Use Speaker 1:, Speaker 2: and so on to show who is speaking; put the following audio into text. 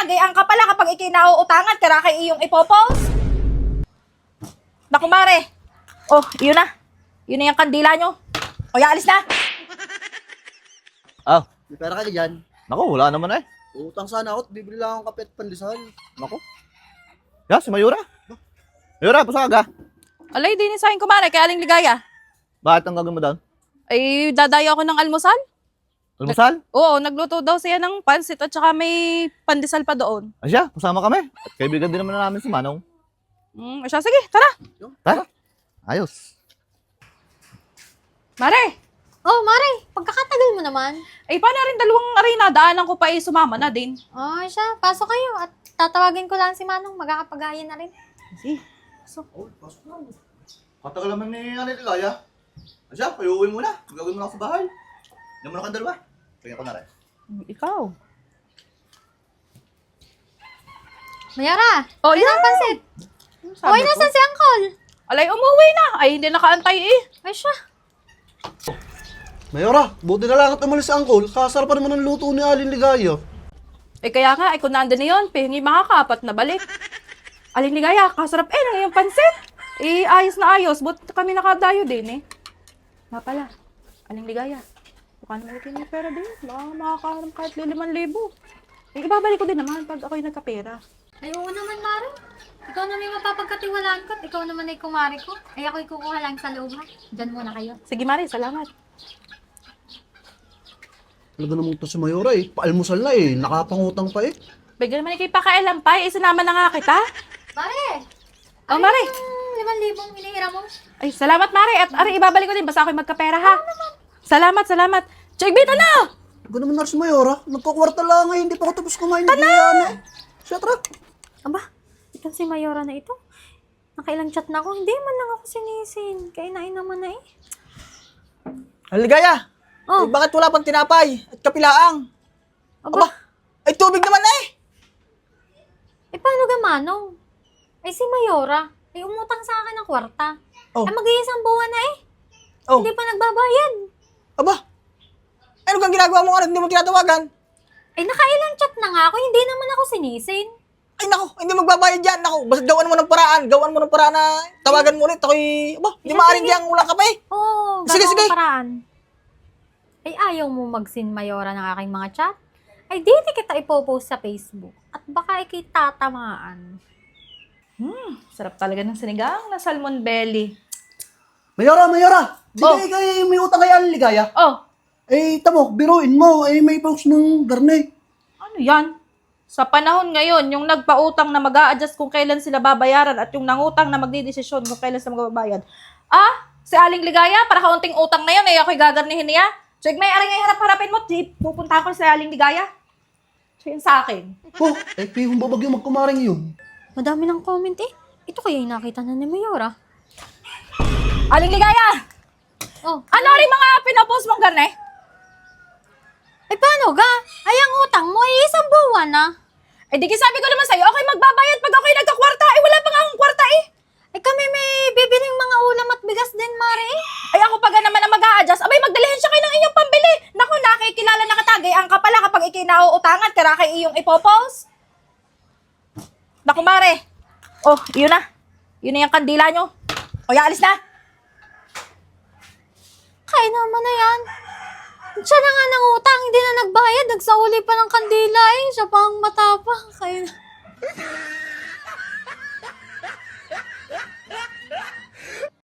Speaker 1: nakatagay ang kapala kapag ikinauutangan, kaya kay iyong ipopost. Naku, Mare. Oh, yun na. Yun na yung kandila nyo. O, alis na.
Speaker 2: Ah,
Speaker 3: May pera ka dyan.
Speaker 2: naku, wala naman eh.
Speaker 3: Utang sana ako at bibili lang akong kape at pandesal.
Speaker 2: Naku. Ya, si Mayura. Mayura, pasok ka.
Speaker 1: Alay, din sa akin, kumare, kay Aling Ligaya.
Speaker 2: Bakit ang gagawin mo doon?
Speaker 1: Ay, dadayo ako ng almusal.
Speaker 2: Almusal?
Speaker 1: Oo, nagluto daw siya ng pansit at saka may pandesal pa doon.
Speaker 2: Asya, kasama kami. At kaibigan din naman namin si Manong.
Speaker 1: Siya, sige, tara.
Speaker 2: Tara. Ayos.
Speaker 1: Mare,
Speaker 4: Oh, Mare, pagkakatagal mo naman.
Speaker 1: ay paano rin dalawang arena, daanan ko pa sumama na din.
Speaker 4: Oh, siya, pasok kayo at tatawagin ko lang si Manong, magkakapagayan na rin.
Speaker 1: Sige.
Speaker 2: Oh, pasok na. Katagal naman ni Ligaya. Asya, kayo uwi muna. Gagawin mo na ako sa bahay. Yan mo na kang dalawa. Tingnan ko na rin.
Speaker 1: Ikaw.
Speaker 4: Mayara,
Speaker 1: Oh,
Speaker 4: ayun ang pansit.
Speaker 1: Sabi
Speaker 4: Uy,
Speaker 1: ko.
Speaker 4: nasan si Uncle?
Speaker 1: Alay, umuwi na. Ay, hindi nakaantay eh.
Speaker 4: Ay, siya.
Speaker 3: Mayora, buti na lang at umalis si Uncle. Kasarap pa naman ang luto ni Aling Ligaya.
Speaker 1: Eh, kaya nga, ay kung nandun na yun, pihingi makakapat na balik. Aling Ligaya, kasarap na yung pansit. Eh, ayos na ayos. Buti kami nakadayo din eh. Nga pala, Aling Ligaya. Baka naman ito yung pera din. Baka makakaharap kahit 5,000. Eh, ibabalik ko din naman pag ako'y nagkapera.
Speaker 4: Ay, oo naman, Mare. Ikaw na may mapapagkatiwalaan ko at ikaw naman ay kumari ko. Ay, ako'y kukuha lang sa loob, ha? Diyan muna kayo.
Speaker 1: Sige, Mari, salamat.
Speaker 3: Talaga naman to si Mayora eh. Paalmusal na eh. Nakapangutang pa eh.
Speaker 1: Bigyan naman kay pakailan pa. Eh, sinama na nga kita.
Speaker 4: Mare!
Speaker 1: Oh, Mari.
Speaker 4: Yung 5,000 inihira mo.
Speaker 1: Ay, salamat, Mari. At ari, ibabalik ko din. Basta ako'y magkapera, ha? Salamat, salamat. Chegbit, ano?
Speaker 3: Talaga naman na si Mayora. Nagkakwarta lang eh. Hindi pa ako tapos kumain. Tana! Siya, tara.
Speaker 4: Aba, itong si Mayora na ito. Nakailang chat na ako. Hindi man lang ako sinisin. Kainain naman na eh.
Speaker 5: Ligaya!
Speaker 4: Oh.
Speaker 5: Eh, bakit wala pang tinapay at kapilaang?
Speaker 4: Aba,
Speaker 5: Ay, tubig naman na eh!
Speaker 4: eh paano gamanong? Ay si Mayora, ay umutang sa akin ng kwarta.
Speaker 5: Oh.
Speaker 4: Ay mag-iisang buwan na eh.
Speaker 5: Oh,
Speaker 4: Hindi pa nagbabayad.
Speaker 5: aba! Ano kang ginagawa mo nga hindi mo tinatawagan?
Speaker 4: Ay nakailang chat na nga ako, hindi naman ako sinisin.
Speaker 5: Ay, naku, hindi magbabayad yan. Naku, basta gawan mo ng paraan. Gawan mo ng paraan na tawagan mo ulit. Ako'y, aba, hindi maaaring diyang ulang ka pa eh.
Speaker 4: Oo,
Speaker 5: Sige, sige.
Speaker 4: paraan. Ay ayaw mo mag-sin Mayora ng aking mga chat? Ay di kita ipopost sa Facebook. At baka ikitatamaan.
Speaker 1: Sarap talaga ng sinigang na salmon belly.
Speaker 3: Mayora, Mayora! Di
Speaker 1: Oh.
Speaker 3: kayo may utang kay Aling Ligaya?
Speaker 1: Oh,
Speaker 3: Eh, tamo, biruin mo. Eh, may post ng garne.
Speaker 1: ano yan? Sa panahon ngayon, yung nagpautang na mag-a-adjust kung kailan sila babayaran at yung nangutang na magdidesisyon kung kailan sila magbabayad. Ah, si Aling Ligaya, para kaunting utang na yun, ay ako'y gagarnihin niya. So, may aring ay harap-harapin mo, pupunta ko sa Aling Ligaya. So, yun sa akin.
Speaker 3: Oh, eh, pihong babag yung magkumaring yun.
Speaker 4: Madami ng comment eh. Ito kaya yung nakita na ni Mayora.
Speaker 1: Aling Ligaya!
Speaker 4: Oh,
Speaker 1: Ano rin mga pinopost mong garne?
Speaker 4: ay paano ga? Ay ang utang mo ay isang buwan na.
Speaker 1: Eh, di sabi ko naman sa'yo, ako'y magbabayad pag ako'y nagkakwarta. Eh, wala pa nga akong kwarta eh.
Speaker 4: Ay kami may bibiling mga ulam at bigas din, Mare.
Speaker 1: Ay, ako pa naman ang mag-a-adjust. Abay, magdalihin siya kayo ng inyong pambili. Naku, nakikilala na katagay ang kapala kapag ikinauutangan, kaya kay iyong ipopost. Naku, Mare. Oh, yun na. Yun na yung kandila nyo. O, alis na.
Speaker 4: Kaya naman na yan. Siya na nga nang utang, hindi na nagbayad. Nagsauli pa ng kandila eh. Siya pa ang matapang. Kaya na.